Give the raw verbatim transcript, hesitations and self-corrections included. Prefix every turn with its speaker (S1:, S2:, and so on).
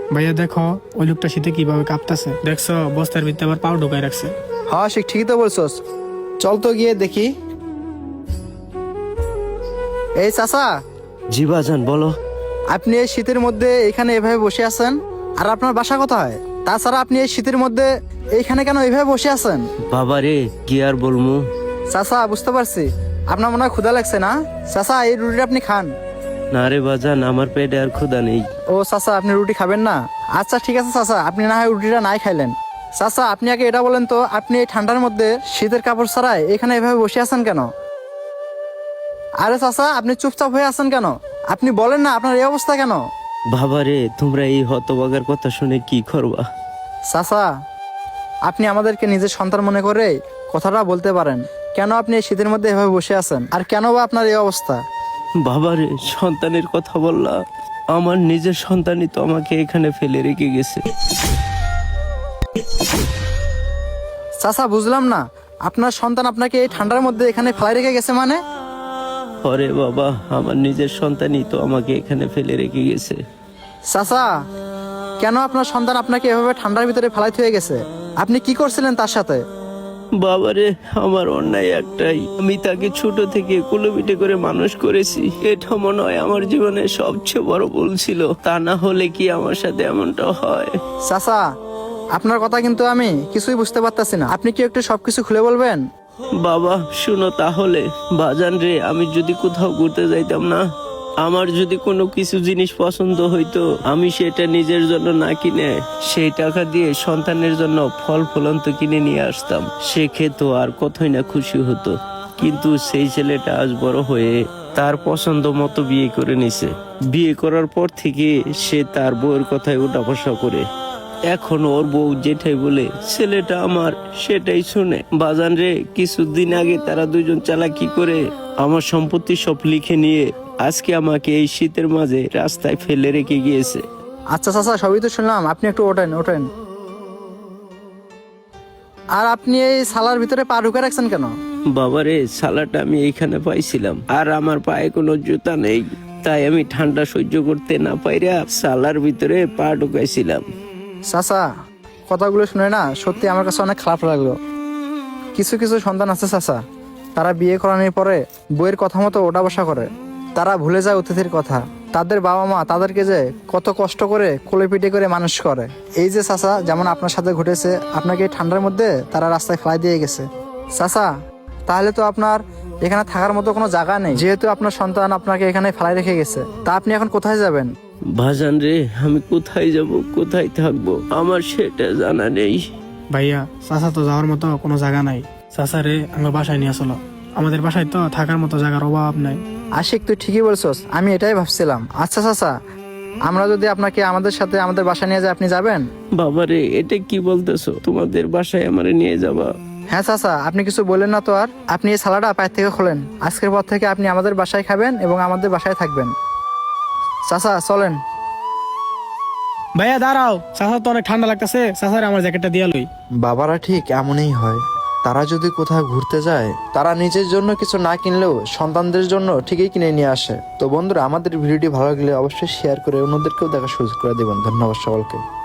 S1: ভাইয়া দেখো ওই লোকটা শীতে কিভাবে কাঁপতাছে, দেখছো বস্তার ভিতরে আবার পাও ঢুকাই রাখছে।
S2: হ্যাঁ সে ঠিকই তো বলছস, চল তো গিয়ে দেখি। এই চাচা,
S3: জি বাজান বলো।
S2: আপনি এই শীতের মধ্যে এখানে এভাবে বসে আছেন, আর আপনার বাসা কোথায়? তাছাড়া আপনি এই শীতের মধ্যে এইখানে কেন এইভাবে বসে আছেন?
S3: বাবা রে কি আর বলমু।
S2: চাচা বুঝতে পারছি আপনার মনে হয় ক্ষুধা লাগছে না? চাচা এই রুটিটা আপনি খান।
S3: না রে বাজান, আমার পেটে আর ক্ষুধা নেই।
S2: ও চাচা আপনি রুটি খাবেন না? আচ্ছা ঠিক আছে চাচা, আপনি না হয় রুটিটা নাই খাইলেন। চাচা আপনি আগে এটা বলেন তো, আপনি এই ঠান্ডার মধ্যে শীতের কাপড় ছাড়াই এখানে এভাবে বসে আছেন কেন? আরে চাচা আপনি চুপচাপ হয়ে আছেন কেন? আপনি বলেন না আপনার এই অবস্থা কেন?
S3: বাবা রে, তোমরা এই হতবাগার কথা শুনে কি করবা?
S2: চাচা আপনি আমাদেরকে নিজের সন্তান মনে করে কথাটা বলতে পারেন, কেন আপনি এই শীতের মধ্যে এভাবে বসে আছেন, আর কেন বা আপনার এই অবস্থা?
S3: বাবা রে, সন্তানের কথা বললা, আমার নিজের সন্তানই তো আমাকে এখানে ফেলে রেখে গেছে।
S2: চাচা বুঝলাম না, আপনার সন্তান আপনাকে এই ঠান্ডার মধ্যে এখানে ফেলাই রেখে গেছে মানে?
S3: আরে বাবা, আমার নিজের সন্তানই তো আমাকে এখানে ফেলে রেখে গেছে।
S2: চাচা কেন আপনার সন্তান আপনাকে এভাবে ঠান্ডার ভিতরে ফেলাই হয়ে গেছে? আপনি কি করছিলেন তার সাথে?
S3: বাবারে, আমার অন্যায় একটাই, আমি তাকে ছোট থেকে কুলোপিটে করে মানুষ করেছি। এটা মনে হয় আমার জীবনে সবচেয়ে বড় ভুল ছিল, তা না হলে কি আমার সাথে এমনটা হয়?
S2: চাচা আপনার কথা কিন্তু আমি কিছুই বুঝতে পারতাছি না, আপনি কি একটু সবকিছু খুলে বলবেন?
S3: বাবা শুনো তাহলে, বাজান রে, আমি যদি কোথাও ঘুরতে যাইতাম না, আমার যদি কোনো কিছু জিনিস পছন্দ হইতো, আমি সেটা নিজের জন্য না কিনে সেই টাকা দিয়ে সন্তানের জন্য ফল ফলন্ত কিনে নিয়ে আসতাম। সে খেত আর কতই না খুশি হতো। কিন্তু সেই ছেলেটা আজ বড় হয়ে তার পছন্দ মতো বিয়ে করে নিছে। বিয়ে করার পর থেকে সে তার বউয়ের কথায় উঠা বসা করে। এখন ওর বউ যেটাই বলে ছেলেটা আমার সেটাই শুনে। বাজান রে, কিছুদিন আগে তারা দুজন চালাকি করে আমার সম্পত্তি সব লিখে নিয়ে আজকে আমাকে এই শীতের মাঝে রাস্তায় ফেলে রেখে গিয়েছে।
S2: আচ্ছা চাচা সবই তো শুনলাম, আপনি একটু ওঠেন ওঠেন। আর আপনি এই সালার ভিতরে পা ঢুকে রাখছেন কেন?
S3: বাবারে, সালাটা আমি এইখানে পাইছিলাম, আর আমার পায়ে কোনো জুতা নেই, তাই আমি ঠান্ডা সহ্য করতে না পাইরা সালার ভিতরে পা ঢুকাইছিলাম।
S2: চাচা কথাগুলো শুনে না সত্যি আমার কাছে অনেক খারাপ লাগলো। কিছু কিছু সন্তান আছে চাচা, তারা বিয়ে করানোর পরে বইয়ের কথা মতো ওঠা বসা করে, তারা ভুলে যায় অতিথির কথা। তাদের বাবা মা তাদেরকে যে কত কষ্ট করে কোলে পিঠে করে মানুষ করে। এই যে চাচা যেমন আপনার সাথে ঘটেছে, আপনাকে এই ঠান্ডার মধ্যে তারা রাস্তায় ফেলাই দিয়ে গেছে। চাচা তাহলে তো আপনার এখানে থাকার মতো কোনো জায়গা নেই, যেহেতু আপনার সন্তান আপনাকে এখানে ফেলাই রেখে গেছে। তা আপনি এখন কোথায় যাবেন?
S3: ভাজান রে, আমি কোথায় যাব, কোথায় থাকবো, আমার সেটা জানা নেই।
S1: ভাইয়া চাচা তো যাওয়ার মতো কোনো জায়গা নাই। চাচা রে আমার বাসায় নিয়ে আসলো, আমাদের বাসায় তো থাকার মতো জায়গার অভাব নাই।
S2: আশিক তুই ঠিকই বলছস, আমি এটাই ভাবছিলাম। আচ্ছা চাচা, আমরা যদি আপনাকে আমাদের সাথে আমাদের বাসায় নিয়ে যাই, আপনি যাবেন?
S3: বাবারে, এটা কি বলতেছো, তোমাদের বাসায় আমারে নিয়ে যাবা?
S2: হ্যাঁ চাচা, আপনি কিছু বললেন না তো আর? আপনি এই সালাটা পায়ের থেকে খোলেন, আজকের পর থেকে আপনি আমাদের বাসায় খাবেন এবং আমাদের বাসায় থাকবেন। চাচা চলেন।
S1: ভাইয়া দাঁড়াও, চাচা তো অনেক ঠান্ডা লাগতেছে, চাচারে আমার জ্যাকেটটা দিয়া লই।
S4: বাবারা ঠিক এমনই হয়, তারা যদি কোথাও ঘুরতে যায় তারা নিজের জন্য কিছু না কিনলেও সন্তানদের জন্য ঠিকই কিনে নিয়ে আসে। তো বন্ধুরা, আমাদের ভিডিওটি ভালো লাগলে অবশ্যই শেয়ার করে অন্যদেরকেও দেখার সুযোগ করে দেবেন। ধন্যবাদ সকলকে।